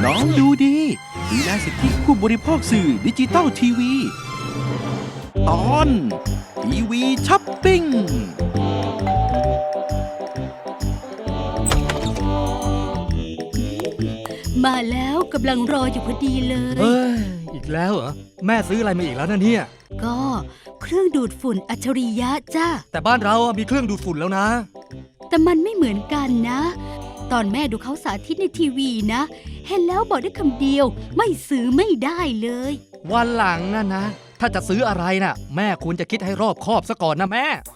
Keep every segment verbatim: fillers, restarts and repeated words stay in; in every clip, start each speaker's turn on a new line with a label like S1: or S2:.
S1: น้องดูดีดูแลสิทธิผู้บริโภคสื่อดิจิตอลทีวีตอนทีวีช้อปปิ้ง
S2: มาแล้วกำลังรออยู่พอดีเลย
S3: เฮ้ย อีกแล้วเหรอ แม่ซื้ออะไรมาอีกแล้วนะเนี่ย
S2: ก็เครื่องดูดฝุ่นอัจฉริยะจ้า
S3: แต่บ้านเราอะมีเครื่องดูดฝุ่นแล้วนะ
S2: แต่มันไม่เหมือนกันนะ ตอนแม่ดูเขาสาธิตในทีวีนะ เห็นแล้วบอกได้คำเดียวไม่ซื้อไม่ได้เลย
S3: วันหลังนะนะ ถ้าจะซื้ออะไรน่ะ แม่ควรจะคิดให้รอบคอบซะก่อนนะแม่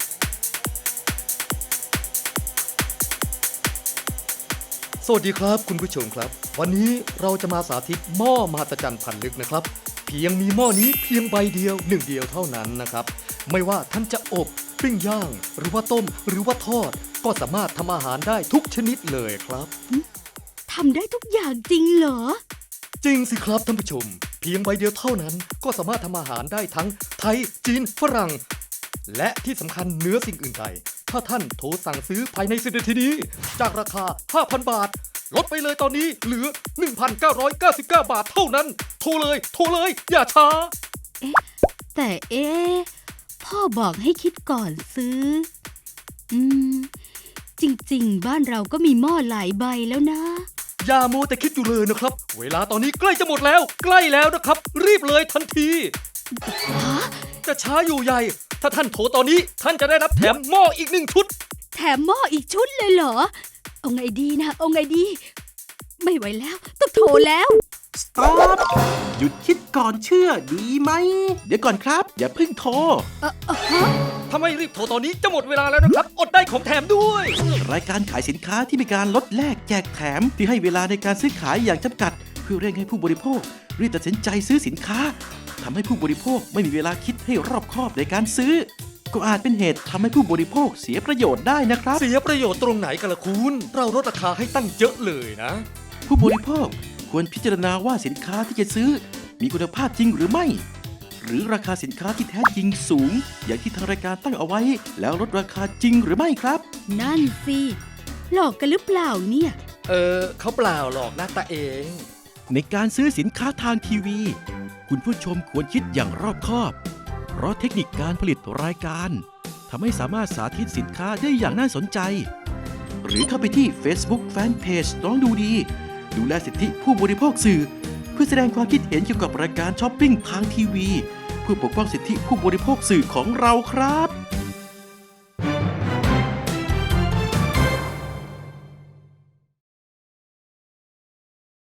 S3: สวัสดีครับคุณผู้ชมครับ วันนี้เราจะมาสาธิตหม้อมหัศจรรย์พันลึกนะครับ เพียงมีหม้อนี้เพียงใบเดียวหนึ่งเดียวเท่านั้นนะครับ ไม่ว่าท่านจะอบปิ้งย่าง หรือว่าต้มหรือว่าทอด ก็สามารถทำอาหารได้ทุกชนิดเลยครับ
S2: ทำได้ทุกอย่างจริงเหรอ
S3: จริงสิครับท่านผู้ชม เพียงใบเดียวเท่านั้นก็สามารถทำอาหารได้ทั้งไทยจีนฝรั่งและที่สำคัญเหนือสิ่งอื่นใดถ้าท่านโทรสั่งซื้อภายในสิบนาทีนี้จากราคา ห้าพัน บาทลดไปเลยตอนนี้เหลือ หนึ่งพันเก้าร้อยเก้าสิบเก้า บาทเท่านั้นโทรเลยโทรเลยอย่าช้า
S2: แต่เอ๊ะพ่อบอกให้คิดก่อนซื้อ อืม จริงๆ บ้านเราก็มีหม้อหลายใบแล้วนะ
S3: อย่ามัวแต่คิดอยู่เลยนะครับเวลาตอนนี้ใกล้จะหมดแล้วใกล้แล้วนะครับรีบเลยทันที
S2: ฮะ
S3: จะช้าอยู่ใหญ่ถ้าท่านโทรตอนนี้ท่านจะได้รับแถมหม้ออีกหนึ่งชุด
S2: แถมหม้ออีกชุดเลยเหรอ เอาไงดีนะ เอาไงดี ไม่ไหวแล้วต้องโทรแล้ว
S1: สต็อปหยุดคิดก่อนเชื่อดีไหม เดี๋ยวก่อนครับ อย่าเพิ่งโทร
S2: เออเออฮะ
S3: ถ้าไม่รีบโทรตอนนี้จะหมดเวลาแล้วนะครับ อดได้ของแถมด้วย
S1: รายการขายสินค้าที่มีการลดแลกแจกแถมที่ให้เวลาในการซื้อขายอย่างจำกัด เพื่อเร่งให้ผู้บริโภครีบตัดสินใจซื้อสินค้าทำให้ผู้บริโภคไม่มีเวลาคิดให้รอบคอบในการซื้อ ก็อาจเป็นเหตุทำให้ผู้บริโภคเสียประโยชน์ได้นะครับ
S3: เสียประโยชน์ตรงไหนกันล่ะคุณ เราลดราคาให้ตั้งเยอะเลยนะ
S1: ผู้บริโภคควรพิจารณาว่าสินค้าที่จะซื้อมีคุณภาพจริงหรือไม่ หรือราคาสินค้าที่แท้จริงสูง อย่างที่ทางรายการตั้งเอาไว้ แล้วลดราคาจริงหรือไม่ครับ
S2: นั่นสิ หลอกกันหรือเปล่าเนี่ย
S3: เออเขาเปล่าหรอกนะตาเอง
S1: ในการซื้อสินค้าทางทีวี คุณผู้ชมควรคิดอย่างรอบคอบ เพราะเทคนิคการผลิตรายการทำให้สามารถสาธิตสินค้าได้อย่างน่าสนใจ หรือเข้าไปที่ Facebook Fanpage น้องดูดี ดูแลสิทธิผู้บริโภคสื่อ เพื่อแสดงความคิดเห็นเกี่ยวกับรายการช้อปปิ้งทางทีวี เพื่อปกป้องสิทธิผู้บริโภคสื่อของเราครับ